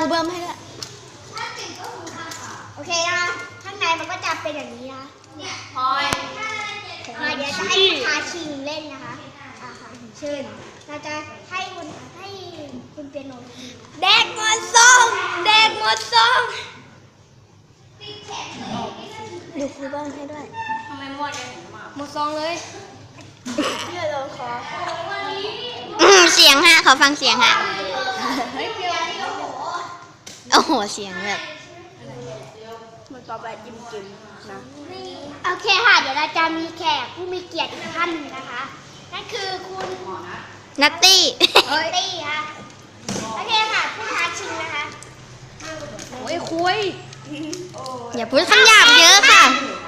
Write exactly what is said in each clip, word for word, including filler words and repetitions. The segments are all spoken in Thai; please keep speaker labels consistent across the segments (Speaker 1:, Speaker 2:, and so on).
Speaker 1: รูเบิ้มให้ด้วย
Speaker 2: โอเคนะข้างในมันก็จะเป็นอย่างนี้นะ
Speaker 1: พลอย
Speaker 2: อ่าเดี๋ยวจะให้คุณทาชิงเล่นนะคะอ่าค่ะเชิญเราจะให้คุณให้คุณเปียโนเด็กหมดซองเด็กหมดซองดูครูเบิ้มให้ด้วย
Speaker 1: ทำไมหมดเลยมา
Speaker 2: หมดซองเลยเพื่อเราขอ
Speaker 3: เสียงฮะขอฟังเสียงฮะ
Speaker 2: เฮ้ยเปียโน
Speaker 3: โอ้โหเสียงแบบ
Speaker 2: มันต่อไปจิ้มจิ้มนะโอเคค่ะเดี๋ยวเราจะมีแขกผู้มีเกียรติอีกท่านหนึ่งนะคะนั่นคือคุณ
Speaker 3: นัตตี้
Speaker 2: เฮ้ยตี้ค่ะโอเคค่ะผู้ท้าชิงนะคะ
Speaker 1: โอ้ยคุย
Speaker 3: อย่าพูดคำหยาบเยอะค่ะ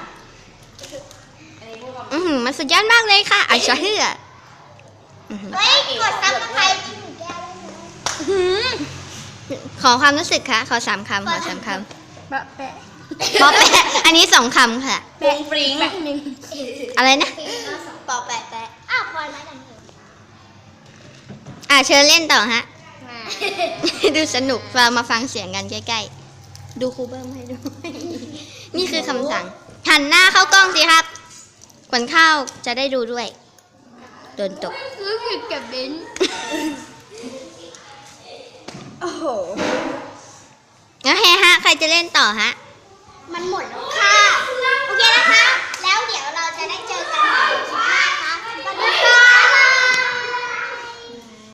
Speaker 3: อือหือมันสุดยอดมากเลยค่ะไอชอเฮืออื้อหือ
Speaker 2: เฮ้ยกดซับสไครต์จิ้มแก้วได้ไหม
Speaker 3: อื้อหือขอความรู้สึกค่ะขอสามคำขอสามค
Speaker 2: แปะแปะ
Speaker 3: ำปอแปะอันนี้สองคำค่ะ
Speaker 1: ปงปริง
Speaker 2: แปะหนึ่ง
Speaker 3: อะไรนะ
Speaker 2: ปอแปะแปะอ้าวพลอยมากันเถอะ
Speaker 3: อ่ะเชิญเล่นต่อฮะ
Speaker 2: มา
Speaker 3: ดูสนุกมามาฟังเสียงกันใกล้ๆ ดูครูเบิ้มให้ดู นี่คือคำสั่ง หันหน้าเข้ากล้องสิครับขวัญข้าวจะได้ดูด้วยโดนตก
Speaker 2: รู้สึกกับเบน
Speaker 1: โอ้โห
Speaker 3: แล้วเฮฮะ ใครจะเล่นต่อฮะ
Speaker 2: มันหมดแล้ว